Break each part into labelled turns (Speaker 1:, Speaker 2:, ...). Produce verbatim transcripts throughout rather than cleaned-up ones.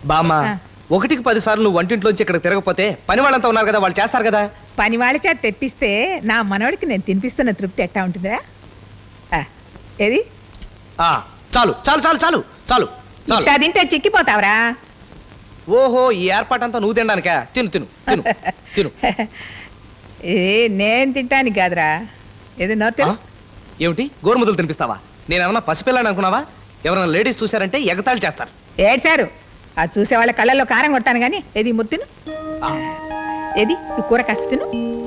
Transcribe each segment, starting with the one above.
Speaker 1: బామ్మ ఒకటికి పది సార్లు నువ్వు వంటింట్లోంచి ఇక్కడ తిరగకపోతే పని వాళ్ళంతా ఉన్నారు కదా, వాళ్ళు చేస్తారు కదా.
Speaker 2: పని వాళ్ళ చేత తెప్పిస్తే నా మనవడికి నేను తినిపిస్తున్న తృప్తి ఎట్టా ఉంటుందా? ఆ, ఏది
Speaker 1: ఆ చాలు చాలు చాలు చాలు చాలు చాలు.
Speaker 2: ఇట్టా తింటే చిక్కిపోతావరా?
Speaker 1: ఓహో, ఈ ఏర్పాటంతా నువ్వు తినడానికా? తిను తిను తిను తిను.
Speaker 2: ఏ నేను తింటానికి కాదురా, ఏది నోతే.
Speaker 1: ఏమిటి గోరుముద్దలు తినిపిస్తావా? నేనేమన్నా పసిపిల్లని అనుకున్నావా? ఎవరైనా లేడీస్ చూశారంటే ఎగతాళి చేస్తారు.
Speaker 2: ఏడ్చారు ఆ చూసే వాళ్ళ కళ్ళల్లో కారం కొట్టాను కానీ ఏది ముత్తిను, ఏది ఈ కూర కాస్త తిను.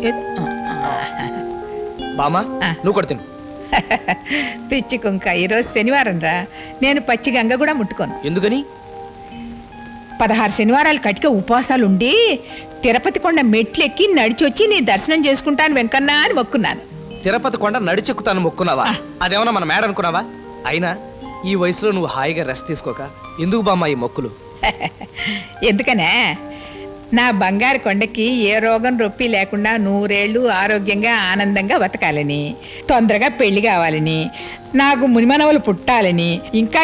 Speaker 1: బామ్మ నువ్వు కూడా తిను.
Speaker 2: పిచ్చి కుంక, ఈరోజు శనివారం రా, నేను పచ్చి గంగ కూడా ముట్టుకోను.
Speaker 1: ఎందుకని?
Speaker 2: పదహారు శనివారాలు కటిక ఉపవాసాలు ఉండి తిరుపతి కొండ మెట్లెక్కి నడిచొచ్చి నీ దర్శనం చేసుకుంటాను వెంకన్నా అని మొక్కున్నాను.
Speaker 1: తిరుపతి కొండ నడిచెక్కుతాను మొక్కున్నావా? అదేమన్నా మన మేడ అనుకున్నావా? అయినా ఈ వయసులో నువ్వు హాయిగా రెస్ట్ తీసుకోక ఎందుకు బామ్మ ఈ మొక్కులు?
Speaker 2: ఎందుకనే, నా బంగారు కొండకి ఏ రోగం రొప్పి లేకుండా నూరేళ్లు ఆరోగ్యంగా ఆనందంగా బతకాలని, తొందరగా పెళ్లి కావాలని, నాకు మునిమనవలు పుట్టాలని, ఇంకా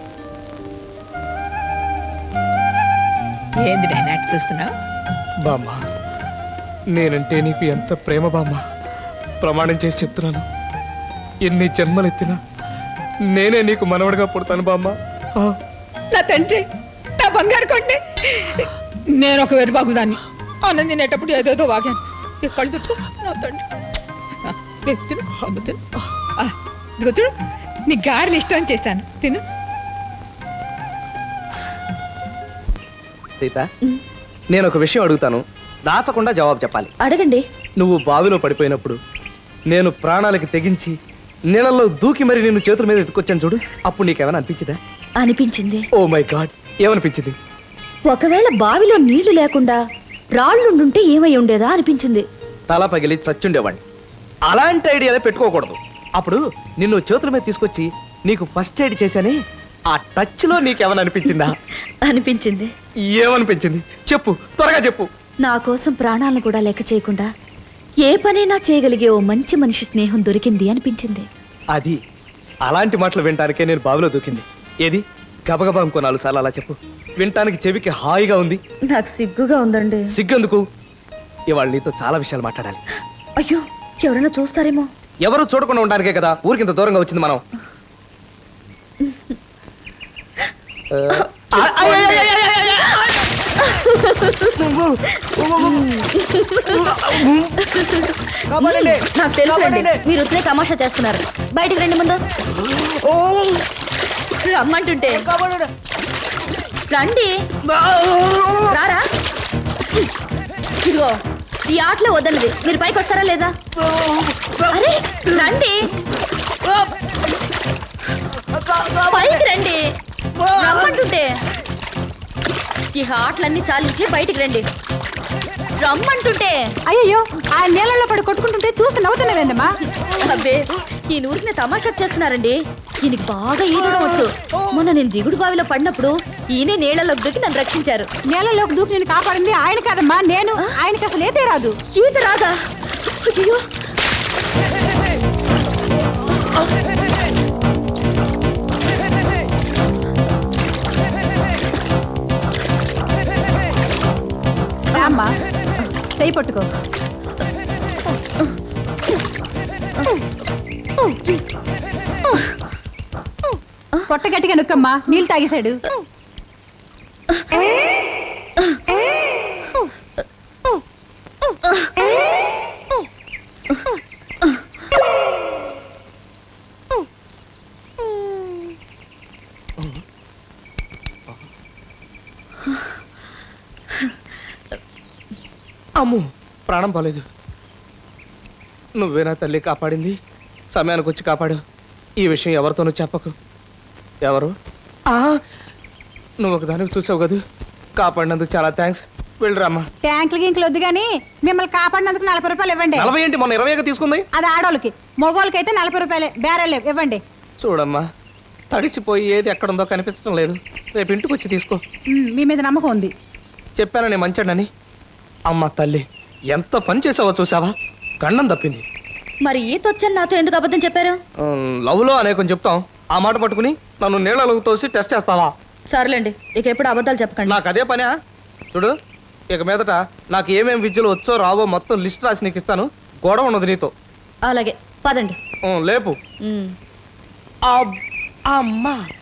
Speaker 2: ఏంది నాయన చూస్తున్నావు?
Speaker 1: బామ్మ నేనంటే నీకు ఎంత ప్రేమ బామ్మ, ప్రమాణం చేసి చెప్తున్నాను. ఎన్ని జన్మలెత్తినా నేనే నీకు మనవడిగా పుడతాను బామ్మ.
Speaker 2: నా తండ్రి, నా బంగారు కొండే, నేను ఒక వెరుబాగుదాన్ని అన్నం తినేటప్పుడు ఏదేదో వాగాను. కళ్ళు తుడుచుకో నా తండ్రి. తిను తిను, ఇదిగో చూడు నీ గారెలు ఇష్టం చేశాను, తిను.
Speaker 1: సీత, నేను ఒక విషయం అడుగుతాను, దాచకుండా జవాబు చెప్పాలి.
Speaker 3: అడగండి.
Speaker 1: నువ్వు బావిలో పడిపోయినప్పుడు నేను ప్రాణాలకి తెగించి నీళ్ళల్లో దూకి మరి నిన్ను చేతుల మీద ఎత్తుకొచ్చాను చూడు, అప్పుడు నీకేమైనా అనిపించిందా?
Speaker 3: అనిపించింది.
Speaker 1: ఓ మై గాడ్, ఏమనిపించింది?
Speaker 3: ఒకవేళ బావిలో నీళ్లు లేకుండా రాళ్ళుండుంటే ఏమై ఉండేదా అనిపించింది.
Speaker 1: తల పగిలి చచ్చుండేవాడిని. అలాంటి ఐడియాలే పెట్టుకోకూడదు. అప్పుడు నిన్ను చేతుల మీద తీసుకొచ్చి నీకు ఫస్ట్ ఎయిడ్ చేశానే, ఆ టచ్ లో నీకేమైనా అనిపించిందా?
Speaker 3: అనిపించింది.
Speaker 1: ఏమనిపించింది చెప్పు, త్వరగా చెప్పు.
Speaker 3: నా కోసం ప్రాణాలను కూడా లెక్క చేయకుండా ఏ పనైనా చేయగలిగే ఓ మంచి మనిషి స్నేహం దొరికింది అనిపించింది.
Speaker 1: అది అలాంటి మాటలు వినటానికే నేను బావిలో దూకింది. ఏది గబగబా ఇంకో నాలుగు సార్లు అలా చెప్పు, వినటానికి చెవికి హాయిగా ఉంది.
Speaker 3: నాకు సిగ్గుగా ఉందండి.
Speaker 1: సిగ్గెందుకు? ఇవాళ నీతో చాలా విషయాలు మాట్లాడాలి.
Speaker 3: అయ్యో, ఎవరైనా చూస్తారేమో.
Speaker 1: ఎవరు చూడకుండా ఉండడానికే కదా ఊరికింత దూరంగా వచ్చింది మనం.
Speaker 3: నాకు తెలుసు మీరు ఉత్తరే తమాషా చేస్తున్నారు. బయటికి రండి ముందు. రమ్మంటుంటే రండి. రారా. ఇదిగో ఈ ఆటలో వద్దన్నది, మీరు పైకి వస్తారా లేదా? అరే రండి, పైకి రండి. రమ్మంటుంటే ఈ ఆటలన్నీ చాలించి బయటికి రండి. రమ్మంటుంటే.
Speaker 4: అయ్యో, ఆ నీళ్ళలో పడి కొట్టుకుంటుంటే చూస్తే నవ్వుతున్నావేందమ్మా?
Speaker 3: అబ్బే, ఈ నూరికి తమాషా చేస్తున్నారండి. ఈయనకి బాగా ఈదడం వచ్చు. మొన్న నేను దిగుడు బావిలో పడినప్పుడు ఈయనే నీళ్ళలోకి దూకి నన్ను రక్షించారు.
Speaker 4: నీళ్ళలోకి దూకి నేను కాపాడింది ఆయన కాదమ్మా, నేను. ఆయనకి అసలు ఈతే రాదు.
Speaker 3: ఈత రాదా? అయ్యో,
Speaker 4: అమ్మా చెయ్యి పట్టుకో. పొట్ట గట్టిగా నొక్కమ్మా, నీళ్ళు తాగేశాడు.
Speaker 1: అమ్ము, ప్రాణం పోలేదు. నువ్వేనా తల్లి కాపాడింది? సమయానికి వచ్చి కాపాడు. ఈ విషయం ఎవరితోనూ చెప్పకు. ఎవరు? నువ్వు ఒక దానికి చూసావు కదా, కాపాడినందుకు చాలా థ్యాంక్స్. వెళ్ళరామ్మా.
Speaker 4: ట్యాంకులు గింకులు వద్దు కానీ మిమ్మల్ని కాపాడినందుకు నలభై రూపాయలు ఇవ్వండి.
Speaker 1: నలభై ఏంటి, మొన్న ఇరవైగా తీసుకుంది.
Speaker 4: అది ఆడోళ్ళకి, మగవాళ్ళకి అయితే నలభై రూపాయలే. బేరాలు ఇవ్వండి.
Speaker 1: చూడమ్మా, తడిసిపోయి ఏది ఎక్కడుందో కనిపించడం లేదు. రేపు ఇంటికి వచ్చి తీసుకో.
Speaker 4: మీ మీద నమ్మకం ఉంది.
Speaker 1: చెప్పాను నేను మంచాడని. అమ్మ తల్లి, ఎంత పని చేసావో చూసావా? గండం తప్పింది.
Speaker 3: మరి ఈత వచ్చని నాతో ఎందుకు అబద్ధం చెప్పారు?
Speaker 1: లవ్ లో అనేకం చెప్తాం, ఆ మాట పట్టుకుని నన్ను నీళ్ళలోకి తోసి టెస్ట్ చేస్తావా?
Speaker 3: సర్లేండి ఇక ఎప్పుడు అబద్ధాలు చెప్పకండి
Speaker 1: నాకు అదే పనా చూడు, ఇక మీదట నాకు ఏమేం విద్యలు వచ్చో రావో మొత్తం లిస్ట్ రాసి నీకు ఇస్తాను. గొడవ ఉన్నది నీతో.
Speaker 3: అలాగే పదండి
Speaker 1: ఉం, లేపు.
Speaker 3: ఉమ్.
Speaker 1: అబ్- అమ్మా